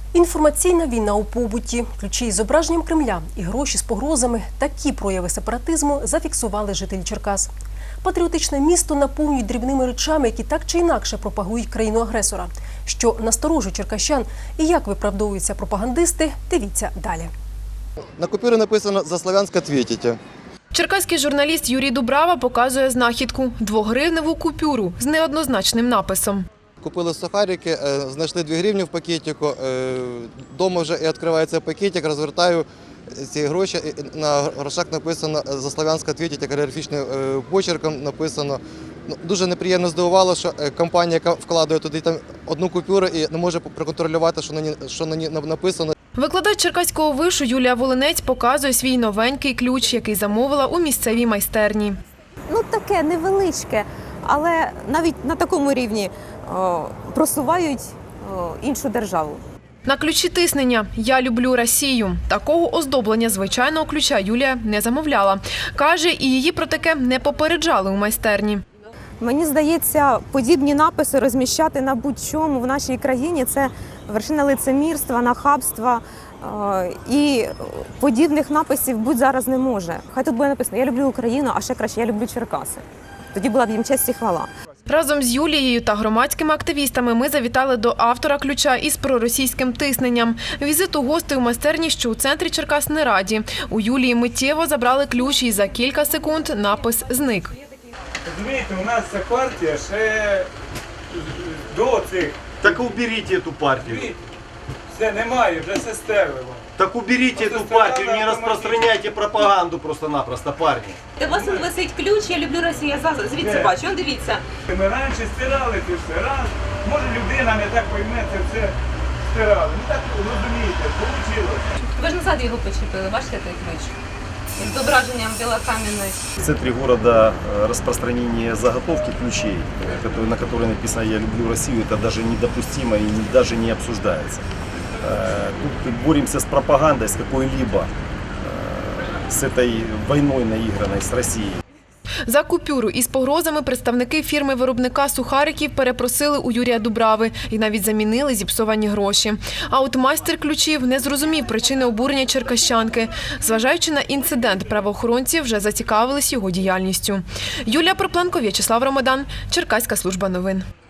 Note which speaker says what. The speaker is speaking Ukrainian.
Speaker 1: Інформаційна війна у побуті, ключі із зображенням Кремля і гроші з погрозами – такі прояви сепаратизму зафіксували жителі Черкас. Патріотичне місто наповнюють дрібними речами, які так чи інакше пропагують країну-агресора. Що насторожує черкащан і як виправдовуються пропагандисти – дивіться далі.
Speaker 2: На купюрі написано «За Слов'янськ ответите».
Speaker 3: Черкаський журналіст Юрій Дубрава показує знахідку – 2-гривневу купюру з неоднозначним написом.
Speaker 2: Купили сухарики, знайшли 2 гривні в пакетику, вдома вже і відкривається пакетик, розвертаю ці гроші, і на грошах написано «За Слов'янськ ответите», каліграфічним почерком написано. Дуже неприємно здивувало, що компанія, яка вкладає туди одну купюру і не може проконтролювати, що на ній написано.
Speaker 3: Викладач Черкаського вишу Юлія Волинець показує свій новенький ключ, який замовила у місцевій майстерні.
Speaker 4: Таке невеличке, але навіть на такому рівні просувають іншу державу.
Speaker 3: На ключі тиснення «Я люблю Росію». Такого оздоблення звичайного ключа Юлія не замовляла. Каже, і її про таке не попереджали у майстерні.
Speaker 4: Мені здається, подібні написи розміщати на будь-чому в нашій країні – це вершина лицемірства, нахабства. І подібних написів будь зараз не може. Хай тут буде написано «Я люблю Україну», а ще краще «Я люблю Черкаси». Тоді була б їм честь і хвала.
Speaker 3: Разом з Юлією та громадськими активістами ми завітали до автора ключа із проросійським тисненням. Візиту гостей у майстерні, що у центрі Черкас, не раді. У Юлії миттєво забрали ключ і за кілька секунд напис зник.
Speaker 5: Розумієте, у нас ця партія ще до цих.
Speaker 6: Так уберите эту партию.
Speaker 5: Все, немає, вже все стерлило.
Speaker 6: Так уберите эту партию, не распространяйте пропаганду просто-напросто, парни.
Speaker 7: У вас висить ключ, я люблю Росію, я звідси бачу, он дивіться.
Speaker 5: Ми раніше стирали це все раз. Може людина не так пойме, це все стирали. Ну так розумієте, вийшло.
Speaker 7: Ви ж назад його почепили, бачите той ключ? З зображенням білокам'яної.
Speaker 6: В центре города распространение заготовки ключей, на которой написано «Я люблю Россию», это даже недопустимо и даже не обсуждается. Тут боремся с пропагандой, с какой-либо, с этой войной наигранной с Россией.
Speaker 3: За купюру із погрозами представники фірми-виробника сухариків перепросили у Юрія Дубрави і навіть замінили зіпсовані гроші. А от майстер ключів не зрозумів причини обурення черкащанки. Зважаючи на інцидент, правоохоронці вже зацікавились його діяльністю. Юлія Пропленко, В'ячеслав Ромадан, Черкаська служба новин.